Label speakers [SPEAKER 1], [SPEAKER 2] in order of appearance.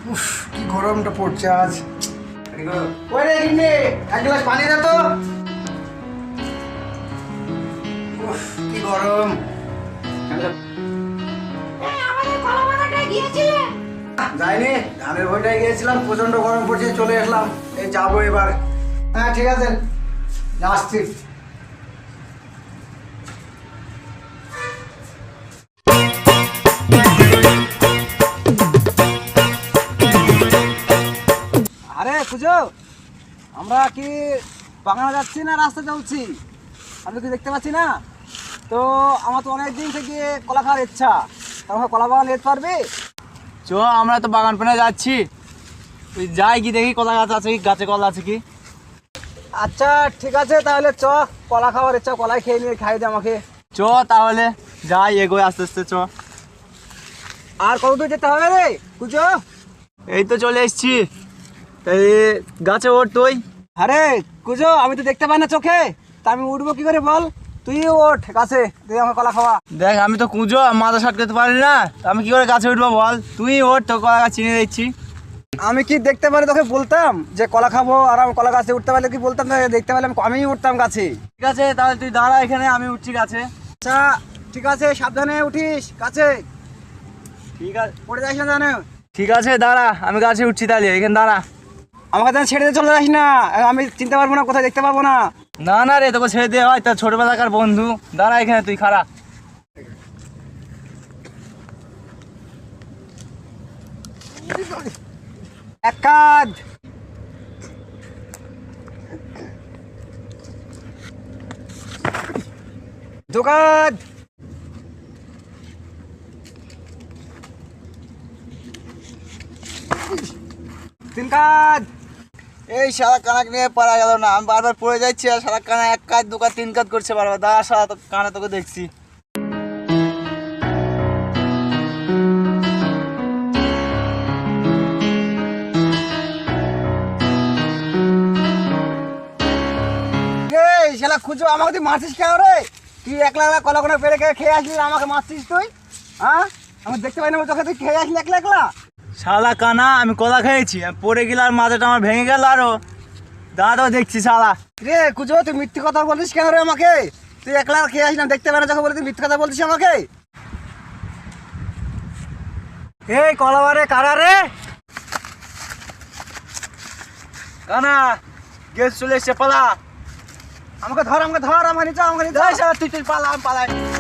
[SPEAKER 1] উফ, কি গরমটা পড়ছে আজ। ওই রে গিন্নি, এক গ্লাস পানি দে তো। উফ, কি গরম। যাইনি, ধানের ভোটায় গিয়েছিলাম, প্রচন্ড গরম পড়ছে, চলে আসলাম। এই যাবো এবার। হ্যাঁ ঠিক আছে, আসছি। আরে পুজো, আমরা কি বাগানে যাচ্ছি না রাস্তা চলছি? আমি কি দেখতে পাচ্ছি না? তো আমার তো অনেক দিন থেকে কলা খাওয়ার ইচ্ছা। তোমার কলা বাগান যেতে পারবি?
[SPEAKER 2] চ, আমরা তো বাগান পেনে যাচ্ছি, তুই যাই কি দেখি কলা গাছ আছে কি, গাছে কলা আছে কি।
[SPEAKER 1] আচ্ছা ঠিক আছে, তাহলে চ, কলা খাওয়ার ইচ্ছা, কলাই খেয়ে নিয়ে খাই দে আমাকে।
[SPEAKER 2] চ তাহলে যাই, এগোয় আস্তে আস্তে চ।
[SPEAKER 1] আর কত দূর যেতে হবে রে পুজো?
[SPEAKER 2] এই তো চলে এসছি, এই গাছে ওঠ তুই।
[SPEAKER 1] আরে কুজো, আমি তো দেখতে পাই না চোখে, তা আমি উঠবো কি করে বল? তুই ওঠ গাছে, তুই আমার কলা খাওয়া।
[SPEAKER 2] দেখ আমি তো কুঁজো, মাথা সাটকাতে পারি না, আমি কি করে গাছে উঠবো বল? তুই ওঠ, তো কলা গাছ চিনে দিচ্ছি।
[SPEAKER 1] আমি কি দেখতে পারি তোকে বলতাম যে কলা খাবো, আর আমি কলা গাছে উঠতে পারলে কি বলতাম? না, দেখতে পারলে আমি উঠতাম গাছে।
[SPEAKER 2] ঠিক আছে তাহলে তুই দাঁড়া এখানে, আমি উঠছি গাছে।
[SPEAKER 1] আচ্ছা ঠিক আছে, সাবধানে উঠিস গাছে,
[SPEAKER 2] ঠিক আছে,
[SPEAKER 1] পড়ে যাস না জানো।
[SPEAKER 2] ঠিক আছে দাঁড়া, আমি গাছে উঠছি, তাহলে এখানে দাঁড়া।
[SPEAKER 1] আমাকে যেন ছেড়ে দিয়ে চলে যাস না, আমি চিনতে পারবো না, কোথায় দেখতে পাবো না।
[SPEAKER 2] না না রে, তোকে ছেড়ে দেওয়া হয়, তার ছোটবেলাকার বন্ধু। দাঁড়া এখানে, তুই খাড়া।
[SPEAKER 1] এক কাজ, দু কাজ, তিন কাজ।
[SPEAKER 2] এই সারা কানাক নিয়ে পারা গেল না, আমি বারবার পড়ে যাচ্ছি, আর সারা কানা এক কাজ দু কাজ তিন কাজ করছে বারবার। দাঁড়া সারা কানা, তোকে দেখছি।
[SPEAKER 1] এই শালা খুঁজো, আমাকে তুই মারছিস কেন রে? তুই একলা একলা কলা কোনা পেরে খেয়ে আসলি, আর আমাকে মারছিস তুই? হ্যাঁ, আমি দেখতে পাই না তোকে, তুই খেয়ে আসলি একলা একলা।
[SPEAKER 2] শালা কানা, আমি কলা খেয়েছি, আমি পড়ে গেল আর মাথাটা আমার ভেঙে গেল আরো। দাঁড়া তো দেখছি শালা।
[SPEAKER 1] রে খুঁজো, তুই মিথ্যে কথা বলছিস কেন রে আমাকে? তুই একলা খেয়ে আসলাম, দেখতে পাই না যখন বলে তুই মিথ্যে কথা বলছিস আমাকে। এই কলাবারে কারা রে?
[SPEAKER 2] কানা, গ্যাস চলে এসছে, পালা।
[SPEAKER 1] আমাকে ধর, আমাকে ধর, আমাকে নিচে, আমাকে নিচে।
[SPEAKER 2] তুই তুই পালা, আমি পালাই।